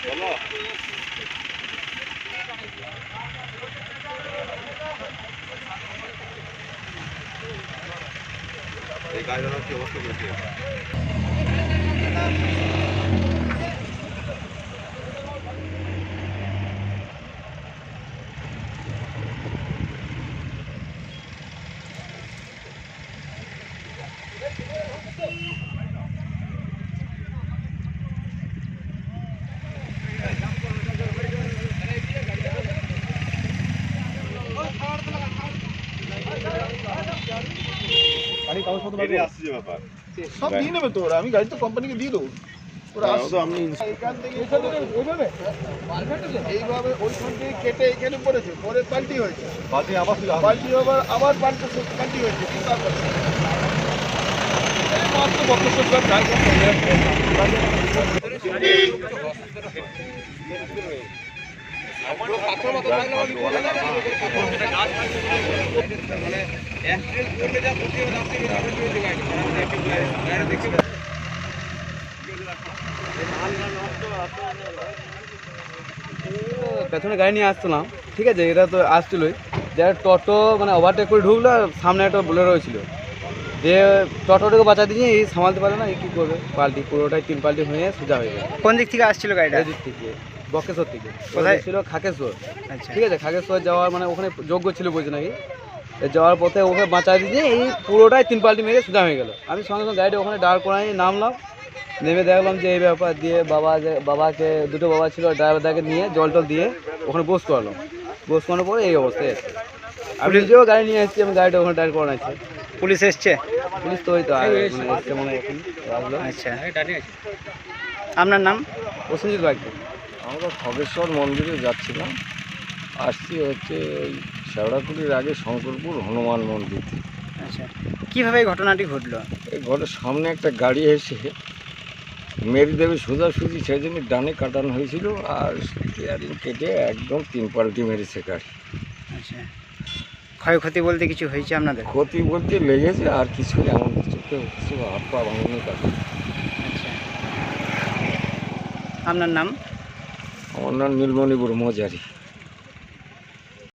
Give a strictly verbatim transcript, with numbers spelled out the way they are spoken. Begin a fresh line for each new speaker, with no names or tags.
এই গাড়িটার কি অবস্থা করেছে?
সব দিয়ে নেবে তো ওরা, আমি গাড়ি তো কোম্পানিকে দিয়ে দেবো। ওরা এখান থেকে এইভাবে ওইখান থেকে কেটে এখানে পড়েছে, পরে পাল্টি হয়েছে, পাল্টি আবার পাল্টি আবার আবার পাল্টে পাল্টি হয়েছে।
পেছনে গাড়ি নিয়ে আসছিলাম, ঠিক আছে, এটা তো আসছিলই, যারা টোটো মানে ওভারটেক করে ঢুকলো, আর সামনে একটা বোলেরো ছিল, যে টোটোটাকে বাঁচা দিয়ে এই সামালতে পারে না, এই কী করবে, পাল্টি পুরোটাই তিন পাল্টি হয়ে সোজা হয়ে গেল।
কোন দিক থেকে আসছিল গাড়িটা?
এই দিক থেকে বক্রেশ্বর থেকে।
কোথায়
ছিল? খাগেশ্বর।
আচ্ছা,
ঠিক আছে, খাগেশ্বর যাওয়ার মানে ওখানে যোগ্য ছিল বলছে নাকি, যাওয়ার পথে ওকে বাঁচা দিয়ে এই পুরোটাই তিন পাল্টি মেরে সোজা হয়ে গেল। আমি সঙ্গে সঙ্গে গাড়িটা ওখানে দাঁড় করাই নামলাম, নেমে দেখলাম যে এই ব্যাপার, দিয়ে বাবা যে বাবাকে দুটো বাবা ছিল, ড্রাইভারদাকে নিয়ে জল টল দিয়ে ওখানে বস করালাম। বস করানোর পরে এই অবস্থায় আছে। আমি নিজেও গাড়ি নিয়ে এসেছি, আমি গাড়িটা ওখানে দাঁড় করানো আছে।
পুলিশ এসছে?
পুলিশ তো ওই তো এসছে মনে হয় এখন আসলো।
আচ্ছা, আপনার নাম?
প্রসেনজিৎ বাইক।
আমরা খগেশ্বর মন্দিরে যাচ্ছিলাম, আসছি হচ্ছে ওই শেওড়াকুড়ির আগে শঙ্করপুর হনুমান মন্দির।
আচ্ছা, কীভাবে এই ঘটনাটি ঘটলো?
এই ঘরের সামনে একটা গাড়ি এসে মেরে দেবে সোজাসুজি, সেই জন্য ডানে কাটানো হয়েছিল, আর স্টিয়ারিং কেটে একদম তিন পাল্টি মেরেছে গাড়ি।
আচ্ছা, ক্ষয়ক্ষতি বলতে কিছু হয়েছে আপনাদের?
ক্ষতি বলতে লেগেছে, আর কিছু এমন কিছু কেউ কিছু হাত পা ভাঙনি কাটে।
আচ্ছা, আপনার নাম?
আমার নাম নীলমণি ব্রহ্মচারী।